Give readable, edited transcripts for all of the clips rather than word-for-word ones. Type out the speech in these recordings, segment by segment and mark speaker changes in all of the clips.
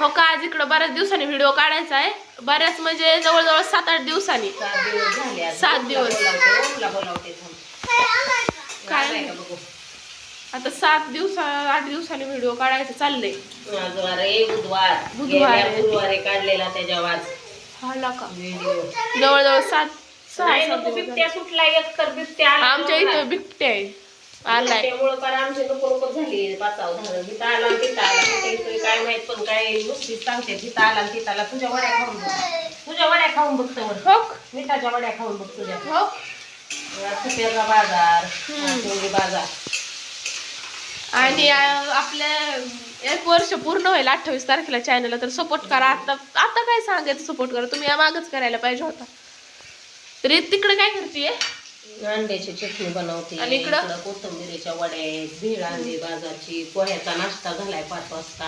Speaker 1: हो का, आज इकडं बऱ्याच दिवसांनी व्हिडिओ काढायचा आहे. बऱ्याच म्हणजे जवळजवळ 7-8 दिवसांनी. 7 दिवस काय आता 7 दिवस 8 दिवसांनी व्हिडिओ काढायचं चाललंय.
Speaker 2: बुधवारी काढलेला त्याच्या वाज
Speaker 1: हाला का जवळजवळ 6
Speaker 2: बिबट्या सुटला एक तर बिबट्या
Speaker 1: आमच्या इथं बिबट्या आहे आलाय.
Speaker 2: त्यामुळे पण आमची नको झाली पाचाव झालं. तिथं आला तिथं आला काय माहित पण काय नुसतीच सांगते तिथं आला तिथं आला. तुझ्या वड्या खाऊन बघ, तुझ्या वड्या खाऊन बघतो
Speaker 1: हो
Speaker 2: मिठाच्या वड्या खाऊन बघ तुझ्या.
Speaker 1: हो
Speaker 2: सफेदा बाजार बाजार.
Speaker 1: आणि आपल्या 1 वर्ष पूर्ण होईल 28 तारखेला चॅनलला. तर सपोर्ट करा. आता काय सांगायचं सपोर्ट करा तुम्ही, या मागच करायला पाहिजे होता. तरी तिकडे काय करतेय
Speaker 2: अंड्याची चटणी बनवते आणि इकडं कोथिंबीरीच्या वड्या आहेत, भेळ आणली बाजारची, पोह्याचा नाश्ता झालाय 5 वाजता.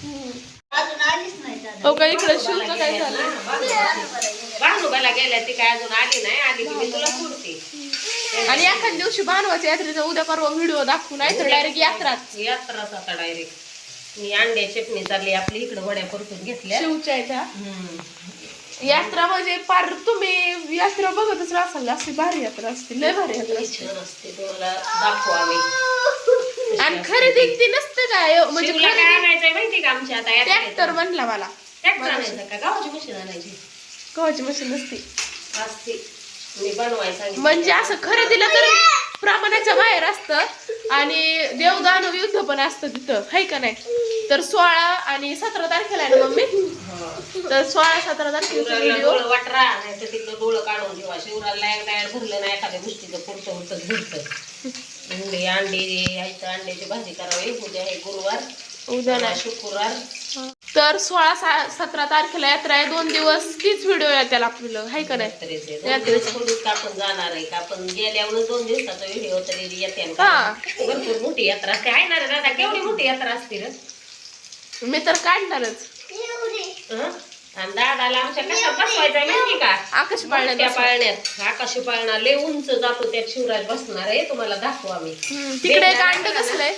Speaker 1: हो का इकडे शिवचं काय झालं
Speaker 2: भानुबाला गेल्या ती काय अजून आली नाही. आली की मी तुला सोडते.
Speaker 1: आणि एखाद्या दिवशी भानुबाच्या यात्रेचा उद्या परवा व्हिडिओ दाखवू नाही तर डायरेक्ट
Speaker 2: यात्राच आता डायरेक्ट. मी अंड्या चटणी चालली आपली इकडे वड्या परतून घेतल्या
Speaker 1: शिवच्या यात्रा म्हणजे पार तुम्ही यात्रा बघतच राहाल. अशी भारी यात्रा असते, लय भारी यात्रा
Speaker 2: असते. तुम्हाला दाखवू आम्ही.
Speaker 1: आणि खरेदी ती नसते काय म्हणजे
Speaker 2: काय आणायचंय माहिती का आमच्या आता
Speaker 1: ट्रॅक्टर म्हणला मला.
Speaker 2: ट्रॅक्टर आणायचं का गावाची मशीन आणायची?
Speaker 1: गव्हाची मशीन नसते
Speaker 2: असते. मी बनवायचं
Speaker 1: म्हणजे असं खरेदीला तर प्रमाणाच्या बाहेर असतं. आणि देवदानव युद्ध पण असतं तिथं है का नाही. तर 16 आणि 17 तारखेला आहे ना मम्मी. तर 16-17 तारखेला व्हिडिओ
Speaker 2: वाटरा नाही तर तिथलं डोळं काढून ठेवा. शिवराला एकदा भरलं नाही एखाद्या गोष्टीचं पुरतं होतं घरतं. अंडे अंड्याची भाजी करावी. उद्या आहे गुरुवार,
Speaker 1: उद्या नाही
Speaker 2: शुक्रवार.
Speaker 1: तर 16-17 तारखेला यात्रा आहे. 2 दिवस तीच व्हिडिओ येतील आपलं है का नाही.
Speaker 2: यात्रेचं आपण जाणार आहे का आपण गेल्यावर 2 दिवसाचा व्हिडिओ तरी येते. भरपूर मोठी यात्रा असते आहे ना रे दादा. केवढी मोठी यात्रा असते रे.
Speaker 1: मी तर काढणारच.
Speaker 2: आणि दादाला आमच्या कशात बसवायचा माहिती का?
Speaker 1: आकाशी पाळण्यात.
Speaker 2: आकाशी पाळणा लय उंच जातो त्यात शिवराज बसणार आहे. तुम्हाला दाखवू आम्ही.
Speaker 1: तिकडे एक अंड कसलंय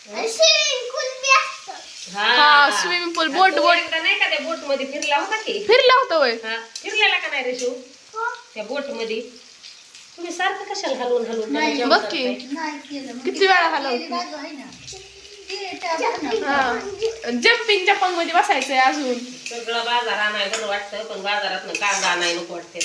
Speaker 1: हा स्विमिंग पूल बोट
Speaker 2: नाही का त्या बोट मध्ये फिरला होता की?
Speaker 1: फिरला होता होय.
Speaker 2: फिरलेला का नाही रे शिव त्या बोट मध्ये? तुम्ही सारखं कशाला हलवून
Speaker 1: बघ की किती वेळा हलवतो. जम्पिंग जपांग मध्ये बसायचंय अजून.
Speaker 2: सगळं बाजार आणाय बरं वाटतं पण बाजारात कांदा आणाय नको वाटते.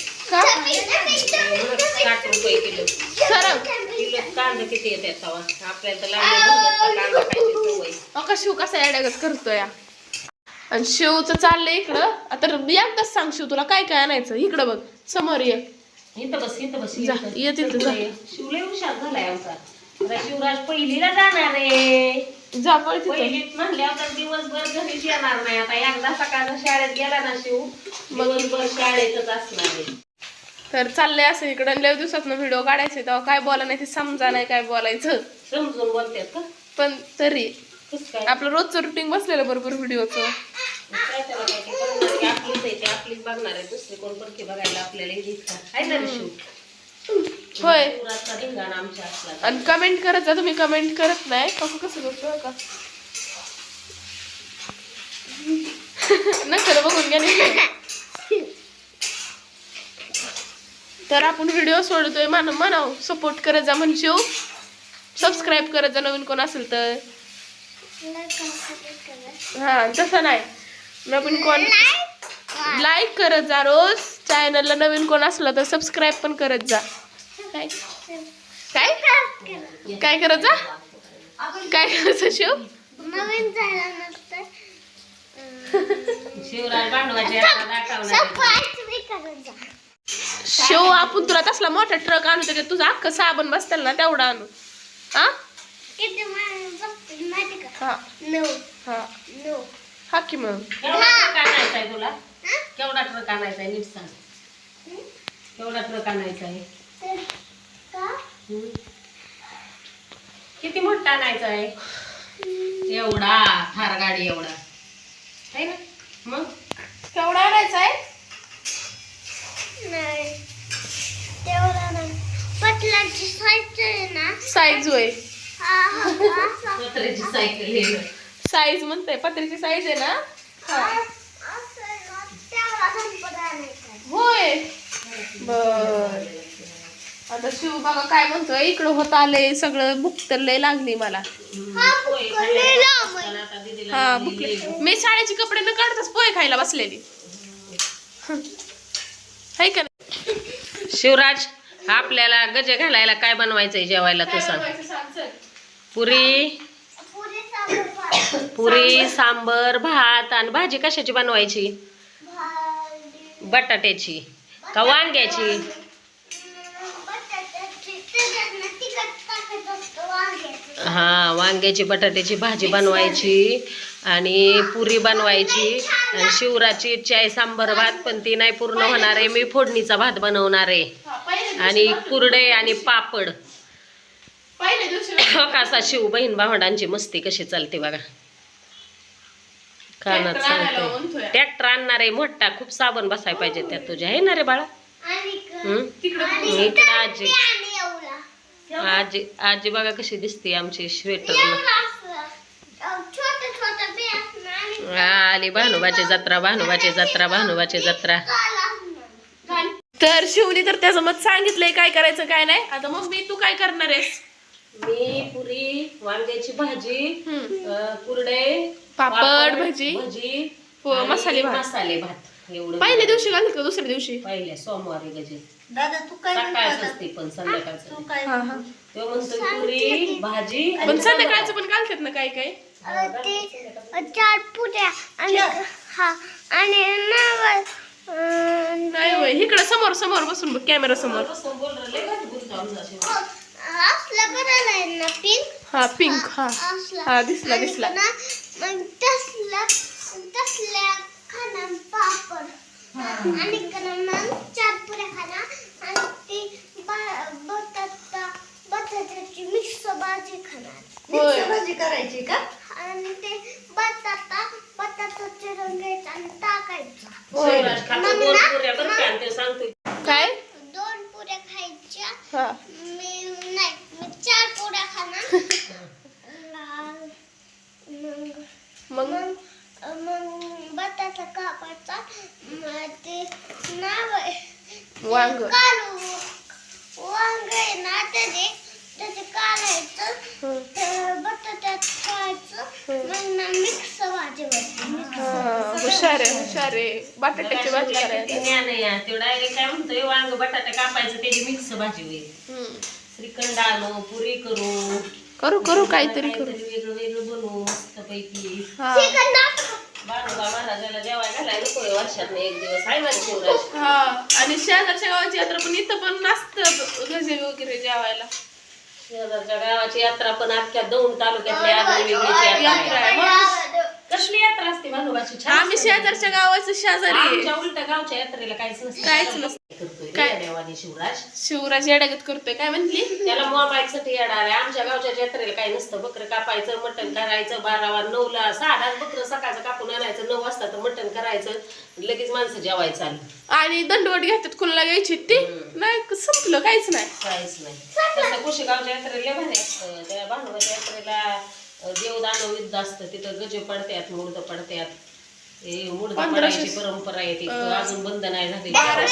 Speaker 2: 60 रुपये किलो. किलो कांदा किती येतात आपल्याला कांदा खायची सवय.
Speaker 1: शिव कसा येड्यागत करतोय. आणि शिवचं चाललंय इकडं. आता एकदाच सांग शिव तुला काय काय आणायचं. इकडं बघ समोर ये.
Speaker 2: इथं बस
Speaker 1: ये तिथं जा.
Speaker 2: शिवले हुशार झालाय आमचा. शिवराज पहिलीला जाणार आहे.
Speaker 1: जा पळ
Speaker 2: पहिलीत म्हणल्यावर तर दिवसभर घरीच येणार नाही. आता एकदा सकाळचा शाळेत गेला ना शिव दिवसभर शाळेतच असणार आहे.
Speaker 1: तर चाललंय असं इकडं. लय दिवसात व्हिडिओ काढायचे तेव्हा काय बोला नाही ते समजा नाही काय बोलायचं.
Speaker 2: समजून बोलतात का पण
Speaker 1: तरी आपलं रोजचं रुटीन बसलेलं बरोबर व्हिडिओचं.
Speaker 2: काय त्याला काय आपलीच बघणार आहे. दुसरी कोण पडकी बघायला आपल्याला आहे ना शिव.
Speaker 1: होय
Speaker 2: आमच्या असला.
Speaker 1: आणि कमेंट करत जा. तुम्ही कमेंट करत नाही कसं करतो का नका बघून घ्या. तर आपण व्हिडिओ सोडतोय म्हणाव सपोर्ट करत जा म्हणशीव. सबस्क्राईब करत जा नवीन कोण असेल तर. हा तसं नाही नवीन कोण लाईक करत जा रोज. चॅनलला नवीन कोण असलं तर सबस्क्राईब पण करत जा. काय काय काय करत जा. काय करायचं शिव. शिव आपण तुला तसला मोठा ट्रक आणू त्याच्यात तुझा अख्खं साबण बसतील ना तेवढा आणू. हा हा की मग
Speaker 2: तुला केवढा ट्रक आणायचा आहे नीट सांग. केवढा ट्रक आणायचा आहे. किती मोठा आणायचा आहे. एवढा थार गाडी एवढा आहे ना. मग
Speaker 1: केवढा आणायचा आहे. साईज होय.
Speaker 2: पत्र्याची सायकल
Speaker 1: साईज म्हणते पत्र्याची साईज आहे ना. होय बर. आता शिव बघा काय म्हणतोय, इकडं होत आलंय सगळं, भूक तर लय लागली मला. हा भुकले. मी शाळेचे कपडे न काढताच पोहे खायला बसलेली हाय का नाही?
Speaker 2: शिवराज, आपल्याला गजे घालायला काय बनवायचंय जेवायला तू सांग. पुरी सांबर भात. आणि भाजी कशाची बनवायची? बटाट्याची का वांग्याची? हा, वांग्याची बटाट्याची भाजी बनवायची आणि पुरी बनवायची. आणि शिवराची इच्छा आहे सांबर भात, पण ती नाही पूर्ण होणार आहे. मी फोडणीचा भात बनवणार आहे आणि कुरडे आणि पापड. कसा शिव बहीण भावंडांची मस्ती कशी चालते बघा. कानात चालते. ट्रॅक्टर आणणार आहे मोठा, खूप साबण बसाय पाहिजे त्यात तुझ्या, आहे ना रे बाळा? इकडं आजी आजी आजी बघा कशी दिसते आमची स्वेटर. आली भानुबाची जत्रा, भानुबाची जत्रा, भानुबाची जत्रा.
Speaker 1: तर शिवनी तर त्याचं मत सांगितलंय काय करायचं काय नाही. आता मम्मी तू काय करणार आहेस?
Speaker 2: मी पुरी, वांग्याची भाजी, कुरडे,
Speaker 1: पापड, भजी,
Speaker 2: मसाले भात. एवढं
Speaker 1: पहिल्या दिवशी घालत का दुसऱ्या दिवशी?
Speaker 2: पहिल्या सोमवारी गजे.
Speaker 3: दादा तू काय
Speaker 2: सकाळच असते पण संध्याकाळचं.
Speaker 1: हा हा.
Speaker 2: तो म्हणतो पुरी भाजी.
Speaker 1: पण संध्याकाळचं पण घालतात ना काय काय?
Speaker 3: चार पुऱ्या आणि हा आणि
Speaker 1: नाही होय, इकडं समोर समोर बसून बघ, कॅमेरा समोर.
Speaker 3: असला करायला आहे ना पिंक.
Speaker 1: हा पिंक. हा हा दिसला दिसला.
Speaker 3: मग तसल्या खाना पापड आणि मग चार पुऱ्या खाना आणि ती बटाट्याची मिक्स भाजी खाणार.
Speaker 1: मिक्स
Speaker 3: भाजी करायची का? आणि ते बटाटा चिरून घ्यायचा आणि टाकायचा.
Speaker 1: काय?
Speaker 3: 2 पुऱ्या खायच्या.
Speaker 1: हा
Speaker 3: मी 4 पुऱ्या खाणार.
Speaker 1: मग
Speaker 3: बटाटा कापायचा. ते नाव
Speaker 1: वांग
Speaker 3: कालू वांग आहे ना, त्याचे काढायचं, बटाट्यात ठेवायचं, मग मिक्स भाजी बनते.
Speaker 1: हुशार आहे हुशार आहे. बटाट्याची भाजी करायची.
Speaker 2: ते डायरेक्ट काय म्हणतोय, वांग बटाटा कापायचं त्याची मिक्स भाजी होईल. श्रीखंड आणू, पुरी करू,
Speaker 1: करू करू काहीतरी करू.
Speaker 2: वेगळं वेगळं बनवू मस्त पैकी.
Speaker 1: हा
Speaker 2: बाळूबा महाराजाला जेवायला घालायला नको वर्षात एक दिवस, आहे माझ्या शिवराज.
Speaker 1: हा. आणि शेजारच्या गावाची यात्रा पण इथं पण नसतं गजे वगैरे जेवायला.
Speaker 2: शेजारच्या गावाची यात्रा पण अख्ख्या दौंड तालुक्यातली आगळीवेगळीची
Speaker 1: यात्रा आहे. मग
Speaker 2: कसली यात्रा असते भानुबाची?
Speaker 1: आम्ही शेजारच्या गावाचं शेजारी आहे.
Speaker 2: आमच्या उलट गावच्या यात्रेला काहीच नसतं.
Speaker 1: काहीच नसतं.
Speaker 2: काय देवानी शिवराज
Speaker 1: शिवराज येडागत करतोय काय म्हंटली?
Speaker 2: त्याला मोबाईल साठी येणार आहे. आमच्या गावच्या यात्रेला काही नसतं. बकरं कापायचं, मटण करायचं, 12-9ला 6 बकरं सकाळचं कापून आणायचं, 9 वाजता तर मटण करायचं, लगेच माणसं जेवायचं आली.
Speaker 1: आणि दंडवट घेतात कुणाला घ्यायची ती नाही, संपलं काहीच नाही.
Speaker 2: काहीच नाही. तसं कुशेगावच्या यात्रेला भारी असतं. त्या भानुबाच्या यात्रेला देवदानव युद्ध असतं. तिथं गजे पडतात, मुर्द पडतात. मुर्द पडायची परंपरा आहे ती अजून बंद नाही झाली.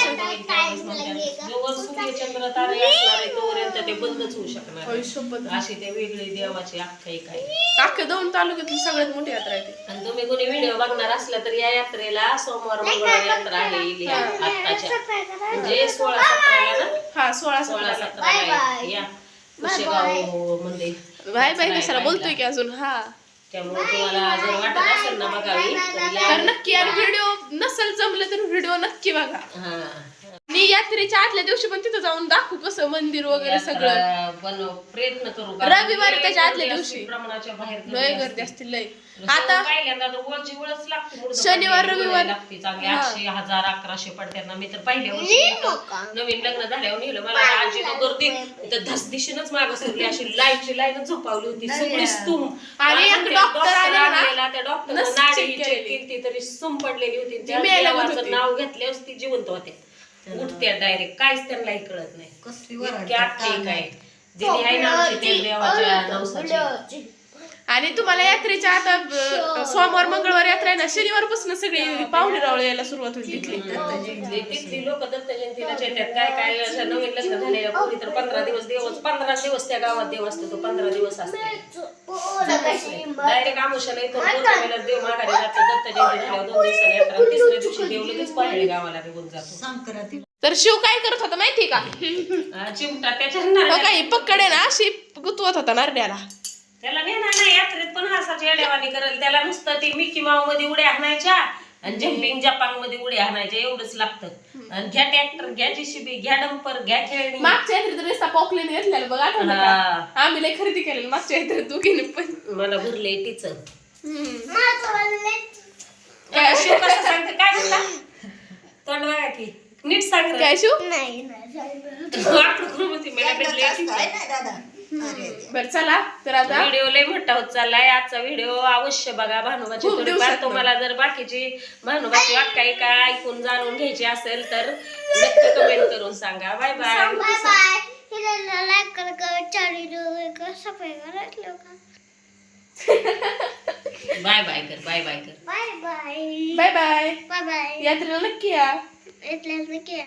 Speaker 2: जोवर सूर्यचंद्र तारे असणार आहे तोपर्यंत ते बंदच होऊ शकणार. अशी ते वेगळी देवाची आख्यायिका आहे.
Speaker 1: अख्ख्या दौंड तालुक्यातली सगळ्यात मोठी यात्रा आहे ती.
Speaker 2: आणि तुम्ही कोणी व्हिडिओ बघणार असला तर या यात्रेला सोमवार मंगळवार यात्रा आहे आत्ताच्या, म्हणजे 16-17 ना.
Speaker 1: हा
Speaker 2: 16-17 या कुशेगाव मध्ये.
Speaker 1: बाय बाय कशाला बोलतोय की अजून. हा
Speaker 2: त्यामुळे तुम्हाला जर वाटत असेल ना बघावी
Speaker 1: तर नक्की. आणि व्हिडिओ नसेल जमलं तर व्हिडिओ नक्की बघा.
Speaker 2: हा.
Speaker 1: मी यात्रेच्या आदल्या दिवशी पण तिथं जाऊन दाखवू कसं मंदिर वगैरे सगळं.
Speaker 2: प्रयत्न करू.
Speaker 1: रविवारी त्याच्या आदल्या दिवशी
Speaker 2: प्रमाणाच्या बाहेर
Speaker 1: लय गर्दी असते लय. आता
Speaker 2: पहिल्यांदा तर वळची वळच लागते.
Speaker 1: शनिवार रविवार
Speaker 2: लागते चांगली. 800, 1000, 1100 पडतात ना. मी तर पहिल्या वर्षी नवीन लग्न झाल्यावर नेलं. मला आजी तो गर्दी तर धसदिशीनच मागं सोडली. अशी लाईनची लाईनच झोपावली होती सगळी स्तूम.
Speaker 1: आणि एक डॉक्टर आलेला
Speaker 2: त्या डॉक्टरने नाडी चेक केली तरी स्तूम पडलेली होती. त्या देवाचं नाव घेतल्यावर ती जिवंत होते, उठत्या डायरेक्ट. काहीच त्यांनाही कळत नाही. इतकी आख्यायिका आहे. दिली आहे ना आमची त्या देवाच्या नवसाची.
Speaker 1: आणि तुम्हाला यात्रेच्या आता सोमवार मंगळवार यात्रा आहे ना, शनिवारपासून सगळी पाहुणे रावळे यायला सुरुवात होती तिथली.
Speaker 2: तिथली लोक दत्त जयंतीला येतात. काय काय अशा नवीन लग्न झालेल्या पोरी तर 15 दिवस त्या गावात देव असतो. तो 15 दिवस असतो. डायरेक्ट आमुषाला येतो, पौर्णिमेला देव माघारी जातो. दत्त जयंती झाल्यावर 2 दिवसांनी यात्रा, तिसऱ्या दिवशी देव लगेच पाहिजे गावाला निघून जातो.
Speaker 1: तर शिव काय करत होता माहिती का?
Speaker 2: चिमटा त्याच्या
Speaker 1: काही पकडे ना अशी गुतवत होता नारड्याला.
Speaker 2: त्याला नेणार नाही यात्रेत, पण असाच येड्यावानी करेल. त्याला नुसतं ते मिकी माऊ मध्ये उड्या हाणायच्या आणि जम्पिंग जपांग मध्ये उड्या हाणायच्या, एवढंच लागतं. आणि घ्या ट्रॅक्टर, घ्या JCB, घ्या डंपर, घ्या खेळणी.
Speaker 1: मागच्या यात्रेत रस्ता पॉकलीने घेतलेला बघा, आठवलं का? आम्ही लय खरेदी केलेली मागच्या यात्रेत दोघीने पण.
Speaker 2: मला भरले टीचर.
Speaker 1: काय
Speaker 2: शिव कसं सांगते, काय म्हणला? तोंड बघा की नीट सांग.
Speaker 1: काय शिव? बर चला तर आता
Speaker 2: व्हिडिओ लय मोठा होत चाललाय. आजचा व्हिडिओ अवश्य बघा. भानुबाची थोडीफार तुम्हाला जर बाकीची भानुबाची आख्यायिका ऐकून जाणून घ्यायची असेल तर नक्की कमेंट करून सांगा. Bye bye.
Speaker 3: Bye bye. हिला लाईक कर, चारी सबस्क्राइब कर.
Speaker 2: बाय बाय कर. बाय बाय कर.
Speaker 3: Bye bye.
Speaker 1: Bye bye.
Speaker 3: Bye bye.
Speaker 1: यात्रेला नक्की या.
Speaker 3: इथल्या